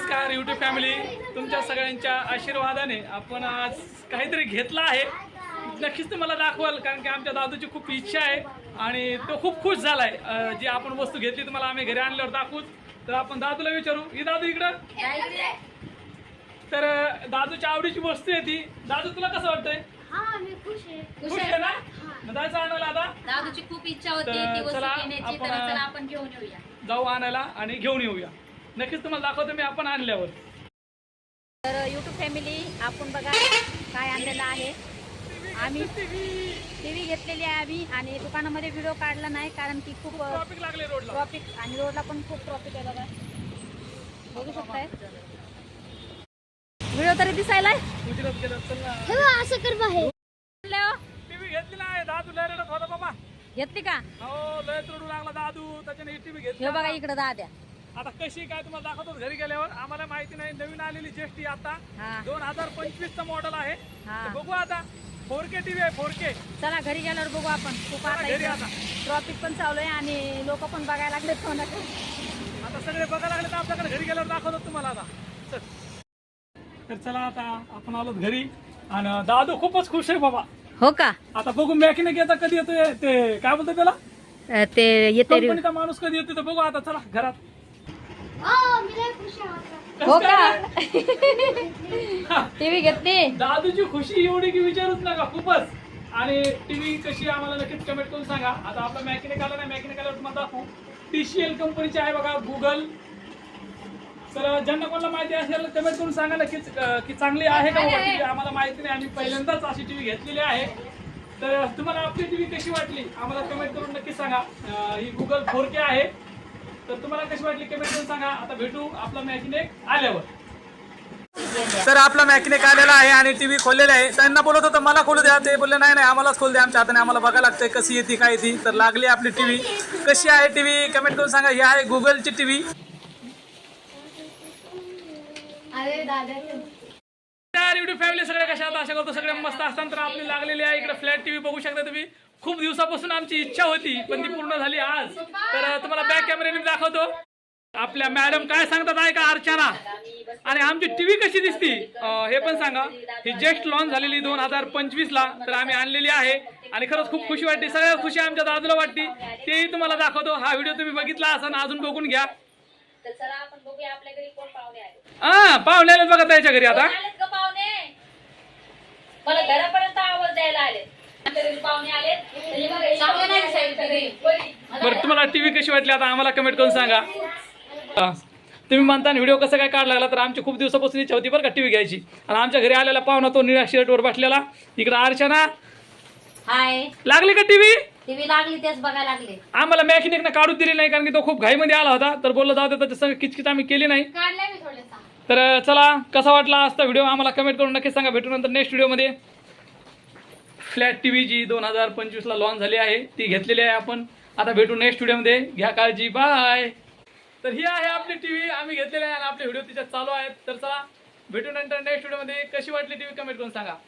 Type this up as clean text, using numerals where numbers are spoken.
नमस्कार YouTube family, तुमच्या सगळ्यांच्या आशीर्वादाने आपण आज काहीतरी घेतला आहे. नक्कीच तुम्हाला दाखवाल, कारण की आमच्या दादूची खूप इच्छा आहे आणि तो खूप खुश झालाय. जी आपण वस्तू घेतली तुम्हाला आम्ही घरी आणल्यावर दाखवूच. तर आपण दादूला विचारू, ही दादू इकडं. तर दादूच्या आवडीची वस्तू आहे ती. दादू तुला कसं वाटतंय? खुश आहे ना? दादाचं आणायला आता दादूची खूप इच्छा होती ती वस्तू घेण्याची, तर चला आपण घेऊन येऊया. जाऊ आणायला आणि घेऊन येऊया. नक्कीच तुम्हाला दाखवतो मी आपण आणल्यावर. तर यूट्यूब फॅमिली, आपण बघा काय आणलेलं आहे. आम्ही टीव्ही घेतलेली आहे आम्ही, आणि दुकानामध्ये व्हिडिओ काढला नाही कारण की खूप ट्रॉफिक लागले रोडला. ट्रॉफिक, आणि रोडला पण खूप ट्रॉफिक आहे. बघा, बघू शकताय व्हिडिओ तरी दिसायला असं कर बाहेर. टीव्ही घेतली नाही. दादू लय रडत होता बाबा. घेतली का? हो, लय रडू लागला दादू, त्याच्याने टीव्ही घेतली. हे बघा इकडे दाद्या. आता कशी काय तुम्हाला दाखवतो घरी गेल्यावर. आम्हाला माहिती नाही, नवीन आलेली जेष्टी आता 2025 चा मॉडेल आहे. बघू आता. 4K टीव्ही आहे, 4K. चला घरी गेल्यावर बघू आपण. खूप आता ट्रॉफिक पण चालू आहे आणि लोक पण बघायला लागले फोनाकडे. आता सगळे बघायला लागले, तर आपल्याकडे घरी गेल्यावर दाखवतो तुम्हाला आता. तर चला आता आपण आलो घरी आणि दादू खूपच खुश आहे बाबा. हो का? आता बघू मॅकॅनिक येता कधी येतोय, ते काय बोलतोय त्याला, ते येते कंपनीचा माणूस कधी येतोय, तर बघू आता. चला घरात. हो का? टीव्ही घेतली. दादूची खुशी एवढी की विचारूच नका, खूपच. आणि टीव्ही कशी आम्हाला नक्कीच कमेंट करून सांगा. आता आपला मॅकॅनिक आला नाही, मॅकॅनिक आल्यावर तुम्हाला दाखवू. TCL कंपनीची आहे बघा, गुगल. तर ज्यांना कोणाला माहिती असेल कमेंट करून सांगा नक्कीच की चांगली आहे का टीव्ही. आम्हाला माहिती नाही, आम्ही पहिल्यांदाच अशी टीव्ही घेतलेली आहे. तर तुम्हाला आपली टीव्ही कशी वाटली आम्हाला कमेंट करून नक्की सांगा. ही गुगल 4K आहे. तर तुम्हाला कशी वाटली कमेंट करून सांगा. आता भेटू आपला मॅकॅनिक आल्यावर. तर आपला मॅकॅनिक आलेला आहे आणि टीव्ही खोललेला आहे. त्यांना बोलत होतं मला खोलू द्या, ते बोलले नाही आम्हालाच खोल द्या, आमच्या हाताने आम्हाला बघायला लागतंय कशी येते काय येते. तर लागली आपली टीव्ही. कशी आहे टीव्ही कमेंट करून सांगा. ही आहे गुगलची टीव्ही. यूट्यूब फॅमिली सगळे कशा आता आशा करतो सगळे मस्त असताना. तर आपली लागलेली आहे इकडे फ्लॅट टीव्ही बघू शकता तुम्ही. खूप दिवसापासून आमची इच्छा होती, पण ती पूर्ण झाली आज. तर तुम्हाला बॅक कॅमेऱ्याने दाखवतो. आपल्या मॅडम काय सांगतात आहे का, अर्चना. आणि आमची टीव्ही कशी दिसती हे पण सांगा. ही जस्ट लॉन्च झालेली 2025 ला. तर आम्ही आणलेली आहे आणि खरंच खूप खुशी वाटते. सगळ्यात खुशी आमच्या दादूला वाटते, तेही तुम्हाला दाखवतो. हा व्हिडिओ तुम्ही बघितला असाल, अजून बघून घ्या. पाहुणे आले बघा त्याच्या घरी. आता मला घरापर्यंत आवाज द्यायला आले. बरं, तुम्हाला टीव्ही कशी वाटली आता आम्हाला कमेंट करून सांगा. तुम्ही म्हणता व्हिडिओ कसं काय काढला लागला, तर आमची खूप दिवसापासून इच्छा होती बरं का टीव्ही घ्यायची. आणि आमच्या घरी आलेला पाहुणा तो निळ्या शर्टवर बसलेला. इकडे अर्चना. हाय. लागली का टीव्ही? टीव्ही लागली, तेच बघायला लागले. आम्हाला मॅकॅनिकने काढूच दिली नाही, कारण की तो खूप घाईमध्ये आला होता. तर बोलला जाऊ दे, त्याच्या संग किचकिच आम्ही केली नाही. तर चला, कसा वाटला आजचा व्हिडिओ आम्हाला कमेंट करून नक्की सांगा. भेटू नंतर नेक्स्ट व्हिडिओमध्ये. फ्लॅट टीव्ही जी 2025 ला लॉन्च झाली आहे ती घेतलेली आहे आपण. आता भेटू नेक्स्ट व्हिडिओमध्ये. घ्या काळजी, बाय. तर ही आहे आपली टीव्ही आम्ही घेतलेली आहे आणि आपले व्हिडिओ तिच्यात चालू आहेत. तर चला भेटू नंतर नेक्स्ट व्हिडिओमध्ये. कशी वाटली टीव्ही कमेंट करून सांगा.